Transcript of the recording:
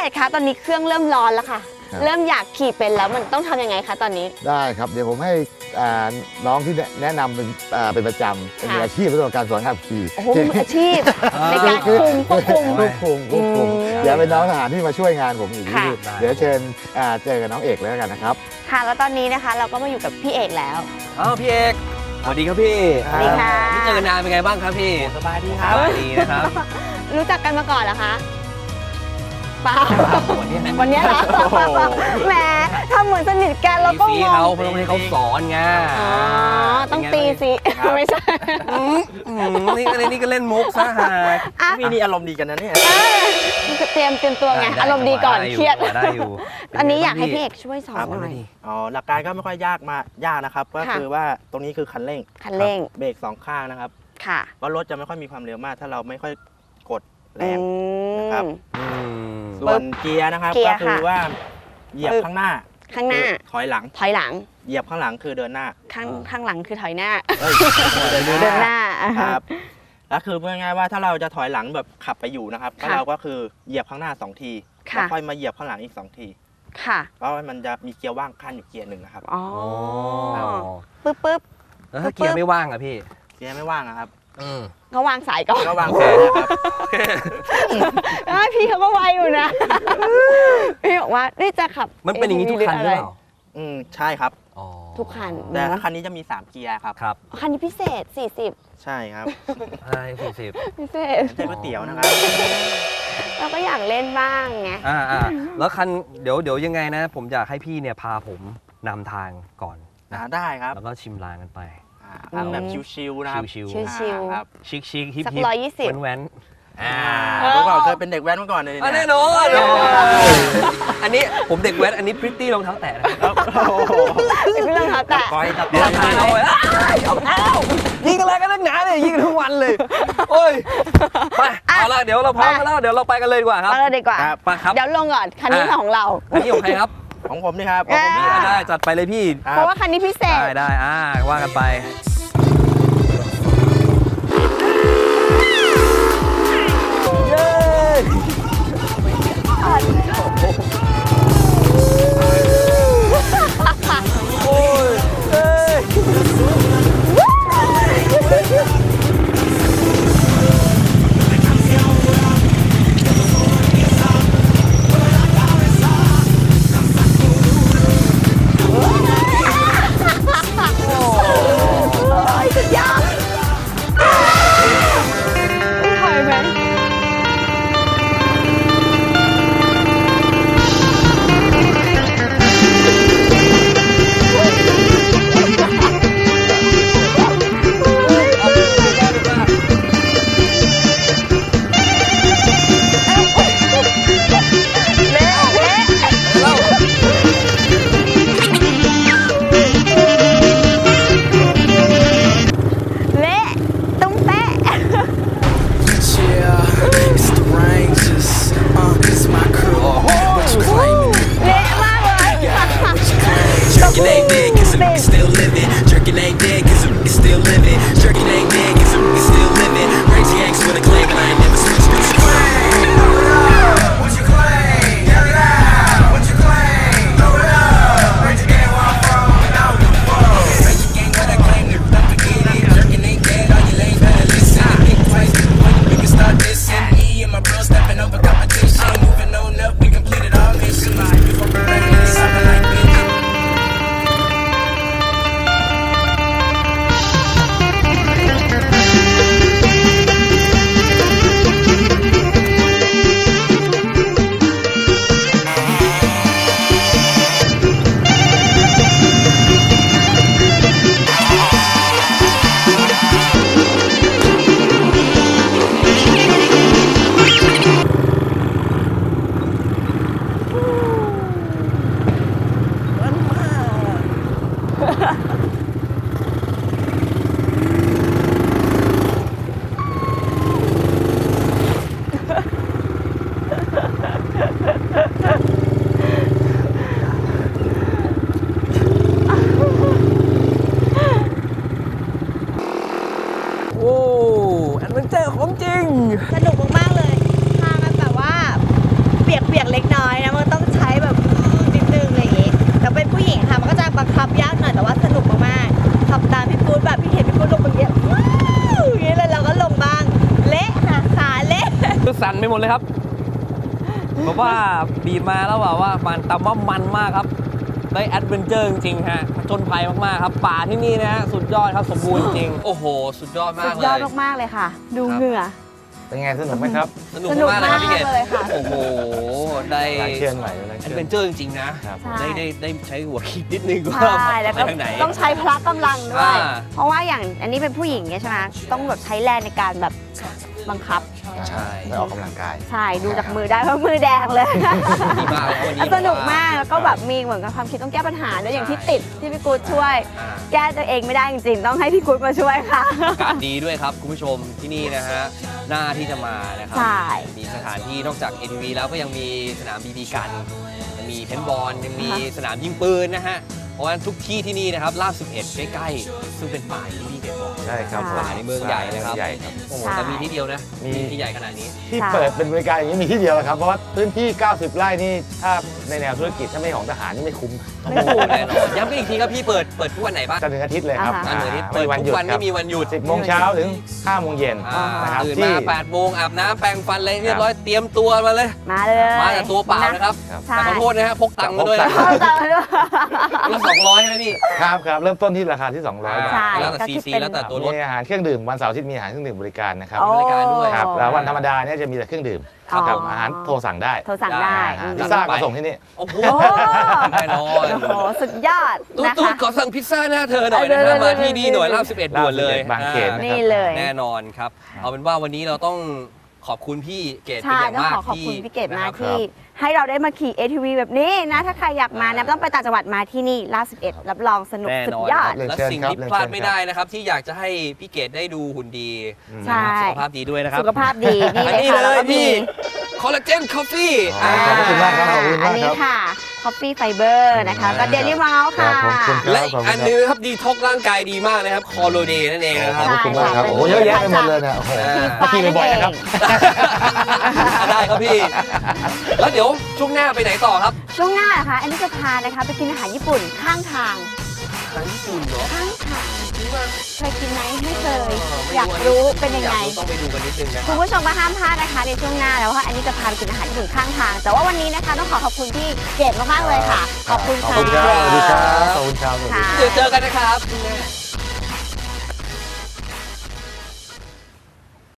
อกคะตอนนี้เครื่องเริ่มร้อนแล้วค่ะเริ่มอยากขี่เป็นแล้วมันต้องทำยังไงคะตอนนี้ได้ครับเดี๋ยวผมให้น้องที่แนะนำเป็นประจำเป็นมืออาชีพเรื่องการสอนขับขี่โอ้โหมืออาชีพในการควบคุมเดี๋ยวเป็นน้องทหารที่มาช่วยงานผมอีกทีเดี๋ยวเชิญเจอกับน้องเอกเลยแล้วกันนะครับค่ะแล้วตอนนี้นะคะเราก็มาอยู่กับพี่เอกแล้วพี่เอกสวัสดีครับพี่สวัสดีค่ะไม่เจอกันนานเป็นไงบ้างครับพี่สบายดีครับสบายดีนะครับรู้จักกันมาก่อนเหรอคะเปล่าวันนี้เหรอแหมทำเหมือนสนิทกันแล้วก็งงเขาเพราะให้เขาสอนไงต้องตีสิไม่ใช่นี่ก็เล่นมุกซะฮะพี่นี่อารมณ์ดีกันนะเนี่ยเตรียมตัวไงอารมณ์ดีก่อนเครียดได้อยู่ตอนนี้อยากให้พี่เอกช่วยสอนหน่อยหลักการก็ไม่ค่อยยากนะครับก็คือว่าตรงนี้คือคันเร่งเบรก2ข้างนะครับค่ะเพราะรถจะไม่ค่อยมีความเร็วมากถ้าเราไม่ค่อยกดแรงนะครับส่วนเกียร์นะครับก็คือว่าเหยียบข้างหน้าถอยหลังเหยียบข้างหลังคือเดินหน้าข้างหลังคือถอยหน้าเดินหน้าครับแล้วคือพูดง่ายๆว่าถ้าเราจะถอยหลังแบบขับไปอยู่นะครับก็เราก็คือเหยียบข้างหน้า2ทีแล้วค่อยมาเหยียบข้างหลังอีก2ทีค่ะเพราะมันจะมีเกียร์ว่างขั้นอยู่เกียร์หนึ่งนะครับอ๋อปึ๊บแล้วถ้าเกียร์ไม่ว่างอะพี่เกียร์ไม่ว่างครับเขาวางสายก่อนก็วางสายนะครับพี่เขาก็ไวอยู่นะพี่บอกว่านี่จะขับมันเป็นอย่างนี้ทุกคันหรือเปล่าใช่ครับทุกคันแต่ถ้าคันนี้จะมี3เกียร์ครับคันนี้พิเศษ40 ใช่ครับใช่40 พิเศษใช่ก๋วยเตี๋ยวนะครับเราก็อยากเล่นบ้างไงแล้วคันเดี๋ยวยังไงนะผมอยากให้พี่เนี่ยพาผมนำทางก่อนได้ครับแล้วก็ชิมลางกันไปแบบชิวๆนะครับชิวครับชิคฮิปแว้นเมื่อก่อนเคยเป็นเด็กแว้นมาก่อนเลยแน่นอนอันนี้ผมเด็กแว้นอันนี้พริตตี้รองเท้าแตะนะครับไม่รองเท้าแตะก้อยตัดรองเท้ายิงอะไรกันนักหนาเลยยิงทั้งวันเลยโอ้ยไปเอาละเดี๋ยวเราพร้อมกันแล้วเดี๋ยวเราไปกันเลยดีกว่าครับไปเลยดีกว่าไปครับเดี๋ยวลงก่อนคันนี้ของเราคันนี้ของใครครับของผมนี่ครับได้จัดไปเลยพี่เพราะว่าคันนี้พิเศษได้ว่ากันไปโเล็กน้อยนะมันต้องใช้แบบนิดนึงอะไรอย่างงี้แต่เป็นผู้หญิงค่ะมันก็จะบังคับยากหน่อยแต่ว่าสนุกมากๆขับตามพี่ปู๊ดแบบพี่เห็นพี่ปู๊ดลงอย่างเงี้ยอย่างนี้เลยเราก็ลงบ้างเละค่ะขาเละคือสั่นไปหมดเลยครับเพราะว่าบีบมาแล้วว่ามันแต่ว่ามันมากครับได้แอดเวนเจอร์จริงๆฮะผจญภัยมากๆครับป่าที่นี่นะฮะสุดยอดครับสมบูรณ์จริงโอ้โหสุดยอดมากสุเลดยอดยมากๆเลยค่ะ ดูเหงื่อเป็นไงสนุกไหมครับสนุกมากเลยครับพี่เกดเลยค่ะโอ้โหได้การเคลื่อนไหวอะไรแอดเวนเจอร์จริงๆนะครับใช่ได้ใช้หัวคิดนิดนึงว่าใช่แล้วไปก็ทางไหนต้องใช้พละกำลังด้วยอ่าเพราะว่าอย่างอันนี้เป็นผู้หญิงไงใช่ไหมต้องแบบใช้แรงในการแบบบังคับใช่ได้ออกกำลังกายใช่ดูจากมือได้เพราะมือแดงเลยดีมากเลยวันนี้สนุกมากแล้วก็แบบมีเหมือนกับความคิดต้องแก้ปัญหาด้วยอย่างที่ติดที่พี่กู๊ดช่วยอ่าแก้ตัวเองไม่ได้จริงๆ ต้องให้พี่กู๊ดมาช่วยค่ะอากาศดีด้วยครับคุณผู้ชมที่นี่นะฮะหน้าที่จะมานะครัใช่มีสถานที่นอกจาก ATV แล้วก็ยังมีสนามบีบีกันยังมีเพนบอลยังมีสนามยิงปืนนะฮะเพราะว่าทุกที่ที่นี่นะครับลาด11ใกล้ๆซึ่งเป็นป่าที่พี่เกดบอกใช่ครับป่าในเมืองใหญ่นะครับใหญ่ครับโอ้โหใช่แต่มีที่เดียวนะมีที่ใหญ่ขนาดนี้ที่ใช่เปิดเป็นบริการอย่างนี้มีที่เดียวครับ เพราะว่าพื้นที่ 90 ไร่นี่ถ้าในแนวธุรกิจถ้าไม่ของทหารนี่ไม่คุ้มโอ้โหแน่นอนย้ำกันอีกทีครับพี่เปิดทุกวันไหนบ้างจันทร์ถึงอาทิตย์เลยครับอ่าฮะอันนี้ไม่เปิดวันทุหยุกดวันครัไม่มีวันหยุด 10 โมงเช้าถึง 5 โมงเย็นอ่านะครับตื่นที่มา8 โมงอาบน้ำแปรงฟันอะไรเรียบร้อยเตรียมตัวมาเลยมาเลยมาแต่ตัวเปล่านะครับครับใช่แต่ขอโทษนะฮะพกตังค์มาด้วยนะเข้าใจมาด้วยละ200ใช่ไหมพี่ครับครับเริ่มต้นที่ราคาที่ 200 บาทใช่แล้วแต่ก็ซีคิดซีเป็นแล้วแต่ตัวรถมีอาหารเครื่องดื่มวันเสาร์อาทิตย์มีอาหารเครื่องดื่มบริการนะครับโอ้บริการด้วยครับแล้ววันธรรมดาเนี่ยจะมีแต่เครื่องดื่มอ๋อครับอาหารโทรสั่งได้โทรสั่งได้อาหารอืมพิซซ่าก็ส่งที่นี่โอ้โหโอ้แน่นอนโอ้โหสุดยอดตุ๊ดนะตุ๊ดคะขอสั่งพิซซ่าหน้าเธอหน่อยนะฮะมาที่นี่หน่วยลาบ11ด่วนเลยบางเขนนี่เลยแน่นอนครับ เอาเป็นว่าวันนี้เราต้องขอบคุณพี่เกดเป็นใช่อย่างต้องมากขอขอบคุณพี่เกดมากนะครับที่ให้เราได้มาขี่ ATV แบบนี้นะ ถ้าใครอยากมานะต้องไปต่างจังหวัดมาที่นี่ลาด11 รับรองสนุกแน่สุนดอนยอดครับและสิ่งที่พลาดไม่ได้นะครับ ที่อยากจะให้พี่เกดได้ดูหุ่นดีใช่นะครับสุขภาพดีด้วยนะครับสุขภาพดีนี่อันเลยนี้ค่ะเลแล้วยก็มีพี่คอลลาเจนคอฟฟี่อ๋อขอบคุณมากครับขอบคุณมากครับอันนี้ค่ะ Coffee Fiber นะคะก็ Daily m o u ครัค่ะบขอบคุณและอีกอันหนึงนะครับดีท็อกร่างกายดีมากนะครับคอโลเดย์นั่นเองนะคขรัอบบคุณมากครับใช่ค่ะโอ้โหเยอะแยะไปหมดเลยเนี่ยโอ้โหฟ้าขี่บ่อยๆนะครับได้ครับพี่ แล้วเดี๋ยวช่วงหน้าไปไหนต่อครับช่วงหน้านะคะอันนี้จะพานะคะไปกินอาหารญี่ปุ่นข้างทางทางญี่ปุ่นเหรอข้างทางเคยกินไหมไม่เคยไม่อยากรู้เป็นยังไงอากรู้ต้องไปดูกันนิดนึงนะคคุรัณบผู้ชมก็ห้ามพลาดนะคะในช่วงหน้าแล้วว่าอันนี้จะพาไปกินอาหารญี่ปุ่นข้างทาง แต่ว่าวันนี้นะคะต้องขอขอบคุณที่เกดมากๆเลยค่ะ ขอบคุณขอบค่ะคุณครับสวัสดีครับขอบคุณครับค่ะเดี๋ยวเจอกันนะครับ